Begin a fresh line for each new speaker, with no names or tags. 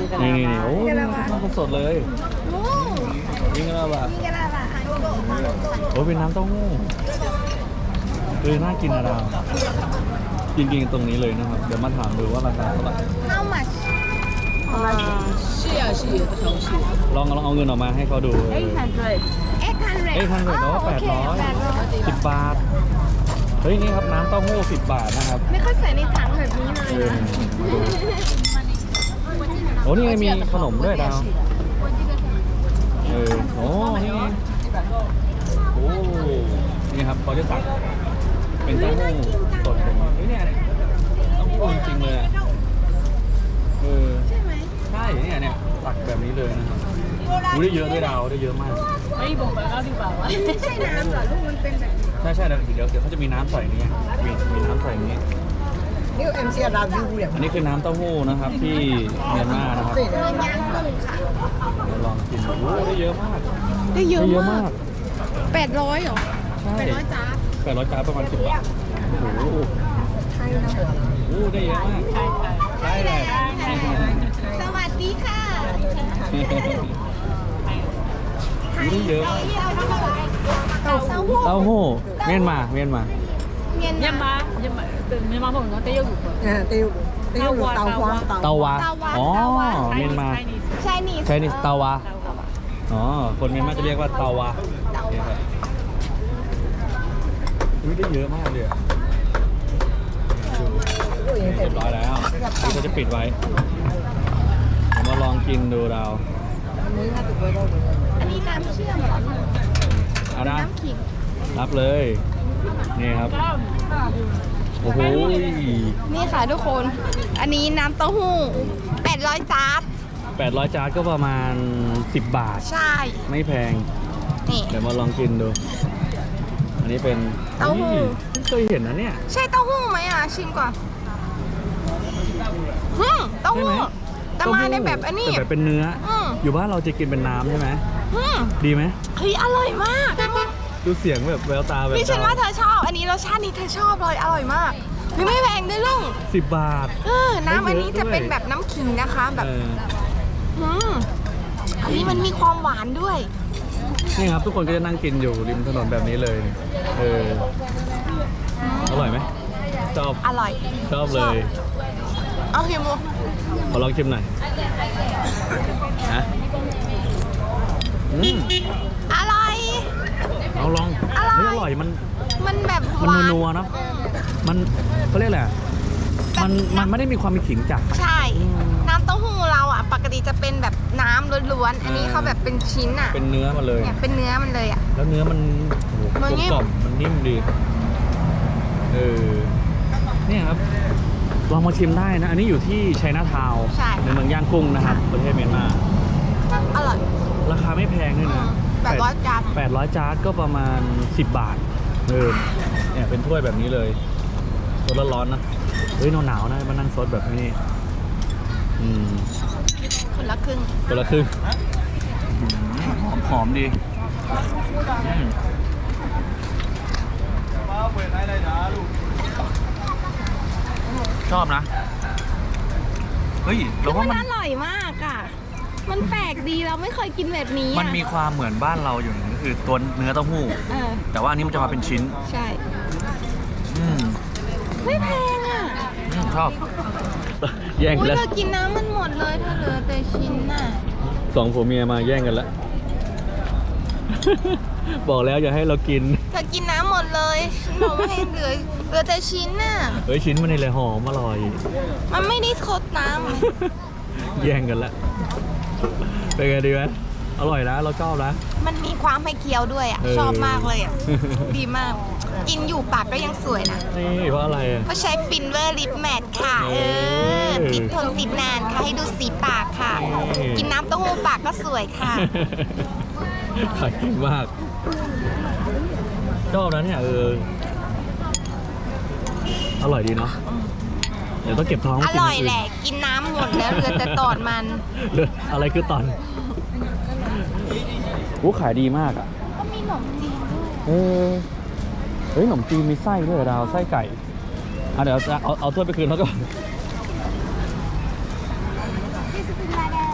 นี่โอ้ยสดเลยยิงกันแล้วป่ะโอ้เป็นน้ำเต้าหู้น่ากินอะดาวกินตรงนี้เลยนะครับเดี๋ยวมาถามดูว่าราคาเท่าไหร่
How much
ลองเอาเงินออกมาให้เขาดู
800
800 10 บาทเฮ้ยนี่ครับน้ำเต้าหู้10 บาทนะครับ
ไม่ค่อยใส่ในถังแบบนี้เลยนะ
โอ้นี่ไงมีขนมด้วยดาวโอ้นี่โอ้นี่ครับเขาจะตักเป็นเต้าหู้สดแบบนี้เนี่ยเต้าหู้จริงๆเลยอ่ะ
ใช่ไหม
ใช่เนี่ยตักแบบนี้เลยนะครับได้เยอะด้วยดาวได้เยอะมาก
ไม่ใช่น้ำเหรอลูกมันเป็นแบบ
ใช่เดี๋ยวเขาจะมีน้ำใส่นี่มีน้ำใส่นี้อันนี้คือน้ำเต้าหู้นะครับที่เมียนมานะครับ
ย่างกุ้งค่ะ
ลองกินดูได้เยอะมาก
ได้เยอะมาก800เหรอ
ใช่
800จ้า
800 จานประมาณ10 บาทโอ้โห
ใช่นะ
โอ้ได้เยอะมากใช่เลย
สวัสดีค่ะ
ได้เยอะ
เต้าหู้
เมียนมา
บอกว่าเต้าหู้
เตาวา
อ๋อเมียนมา
ใช่นี่
เตาวาอ๋อคนเมียนมาจะเรียกว่าเตาวาเนี่ยครับได้เยอะมากเลยเรียบร้อยแล้วนี่เขาจะปิดไว้ผมมาลองกินดูเรา
อันนี้น้ำเชื่อมเหรอ
เอานะ
น้ำขิง
รับเลยนี่ครับโอ้โห
นี่ค่ะทุกคนอันนี้น้ำเต้าหู้800 จาร์
800 จานก็ประมาณ10 บาท
ใช่
ไม่แพง
นี่
เดี๋ยวมาลองกินดูอันนี้เป็น
เต้าหู้
เคยเห็นนะเนี่ย
ใช่เต้าหู้ไหมชิมก่อนเต้าหู้แต่มาในแบบอันนี้
แบบเป็นเนื้ออยู่บ้านเราจะกินเป็นน้ำใช่ไหมดีไหม
เฮ้ยอร่อยมาก
ดูเสียงแบบแววตาแบบ
พี่ฉันว่าเธอชอบอันนี้รสชาตินี้เธอชอบเลยอร่อยมากไม่แพงด้วยลุง
10 บาท
น้ำอันนี้จะเป็นแบบน้ำขิงนะคะแบบอันนี้มันมีความหวานด้วย
นี่ครับทุกคนก็จะนั่งกินอยู่ริมถนนแบบนี้เลยอร่อยไหมชอบ
อร่อย
ชอบเลย
เอาชิมดู
ขอลองชิมหน่อยฮะ
อร่อย
เอาลองอร่อย
มันแบบ
มันนัวๆเนาะมันเขาเรียกอะไรมันไม่ได้มีความมีขิงจัด
ใช่น้ำเต้าหู้เราอ่ะปกติจะเป็นแบบน้ำล้วนๆอันนี้เขาแบบเป็นชิ้นอ่ะ
เป็นเนื้อมาเลย
เนี่ยเป็นเนื้อมันเลยอ่ะ
แล้วเนื้อมันกลมกล่อมมันนิ่มดีเนี่ยครับลองมาชิมได้นะอันนี้อยู่ที่ไชน่าทาวน์ในเมืองย่างกุ้งนะครับประเทศเมียนมา
อร่อย
ราคาไม่แพงด้วยนะ
800 จาน
800 จานก็ประมาณ10 บาทเนี่ยเป็นถ้วยแบบนี้เลยสดร้อนๆนะเฮ้ยหนาวนะมานั่งซดแบบนี้
คนละครึ่ง
หอมดีชอบนะเฮ้ยเราว่ามัน
อร่อยมากอ่ะมันแปลกดีเราไม่เคยกินแบบนี้
มันมีความเหมือนบ้านเราอยู่ก็คือตัวเนื้อเต้าหู้แต่ว่าอันนี้มันจะมาเป็นชิ้น
ใช่ไม่แพงอ่ะ
ชอบแย่งแล้ว
เธอกินน้ำมันหมดเลยเธอเหลือแต่ชิ้นน่ะ
2 ผัวเมียมาแย่งกันแล้วบอกแล้วอย่าให้เรากิน
เธอกินน้ำหมดเลยฉันบอกไม่ให้เหลือแต่ชิ้นน่ะ
ชิ้นมันนี่เลยหอมอร่อย
มันไม่ได้ทดน้
ำแย่งกันแล้วเป็นไงดีไหมอร่อยนะเราชอบนะ
มันมีความให้เคี้ยวด้วยอ่ะชอบมากเลยอ่ะดีมากกินอยู่ปากก็ยังสวยนะ
นี่เพราะอะไร
เพราะใช้ฟินเวอร์ลิปแมทค่ะติดทนติดนานค่ะให้ดูสีปากค่ะกินน้ำเต้าหู้ปากก็สวยค่ะ
ขายเก่งมากชอบนะเนี่ยอร่อยดีเนาะเดี๋ยวต้องเก็บท้อง
อร่อยแหละกินน้ำหมดแล้วเหลือแต่ตอนมัน
อะไรคือตอนขายดีมากอ่ะ
ก็มีขนมจีนด้วย
ขนมจีนมีไส้ด้วยดาวไส้ไก่เดี๋ยวเอาถ้วยไปคืนเขาก่อน